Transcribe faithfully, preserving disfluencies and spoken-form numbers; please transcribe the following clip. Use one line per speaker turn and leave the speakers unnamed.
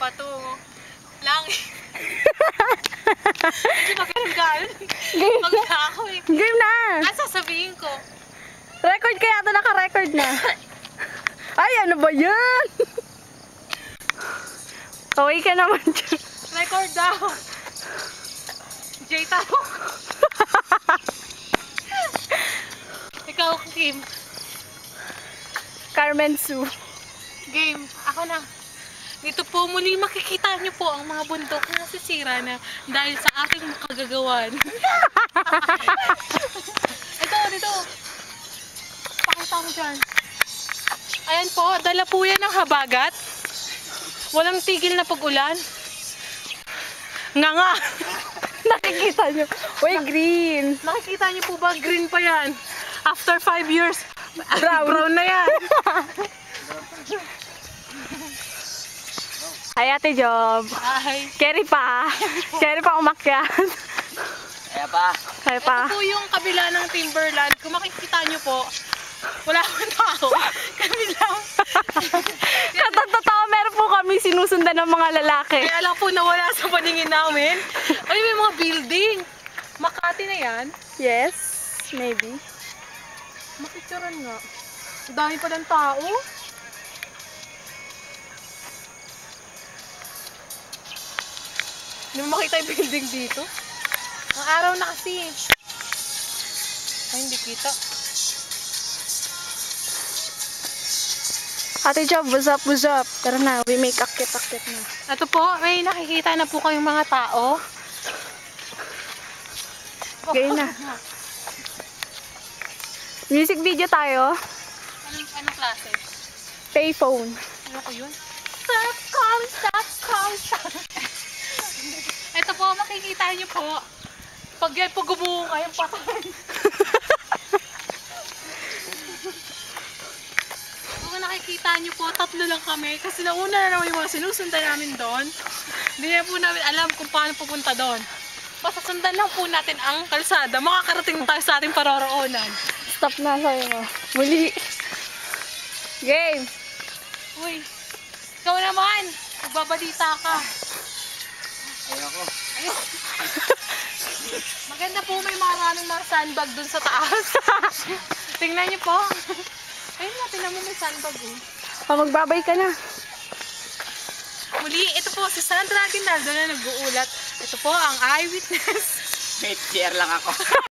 pato. Langit. Hindi magkaroon.
Game.
Magka ako eh.
Game na!
Ano sasabihin ko?
Record kaya ito, naka-record na. Ay, ano ba yan? Okay ka naman dyan.
Record daw. Jay tao. Ikaw, Kim.
Carmen Sue.
Game. Ako na. Dito po muli makikita niyo po ang mga bundok na nasisira na dahil sa aking kagagawan. Ito, dito. Pakita mo dyan. Ayan po, dala po yan ng habagat. Walang tigil na pag-ulan. Nga nga.
Nakikita nyo. Uy, green.
Nakikita niyo po ba, green pa yan. After five years,
Brown.
brown na yan.
Ay, Ate Job.
Ay.
Carry pa. Carry pa umakyat.
Kaya pa.
Kaya pa.
Ito po yung kabila ng Timberland. Kung makikita niyo po, wala akong tao. Kami lang.
Katatotoo, meron po kami sinusundan ng mga lalaki.
Kaya lang po nawala sa paningin namin. Ay, may mga building. Makati na yan.
Yes, maybe.
Makikitaran nga. Ang dami pa ng tao. Hindi mo makita yung building dito. Ang araw na kasi. Ay, hindi kita.
Ate Job, what's up, what's up? Tara na, we make akit-akit na.
Ito po, may nakikita na po kayong mga tao.
Gaya na. Music video tayo.
Anong, anong klase?
Payphone.
Ano ko yun? Stop, call, stop, call, stop. Ito po, makikita niyo po. Pag yan po gumuho kayong patay. Kung nakikita niyo po, tatlo lang kami. Kasi nauna na naman yung mga sinusundan namin doon. Hindi na po namin alam kung paano pupunta doon. Basta sundan lang po natin ang kalsada. Makakarating tayo sa ating paroroonan.
Stop na sa'yo mo. Muli. Game.
Uy, ikaw naman. Magbabalita ka.
Ayoko.
Ayun. Maganda po, may maraming mga sandbag dun sa taas. Tingnan niyo po. Ayun nga, tingnan mo may sandbag eh.
O, magbabay ka na.
Muli, ito po si Sandra Aguinaldo na nag-uulat. Ito po ang eyewitness.
Wait, share lang ako.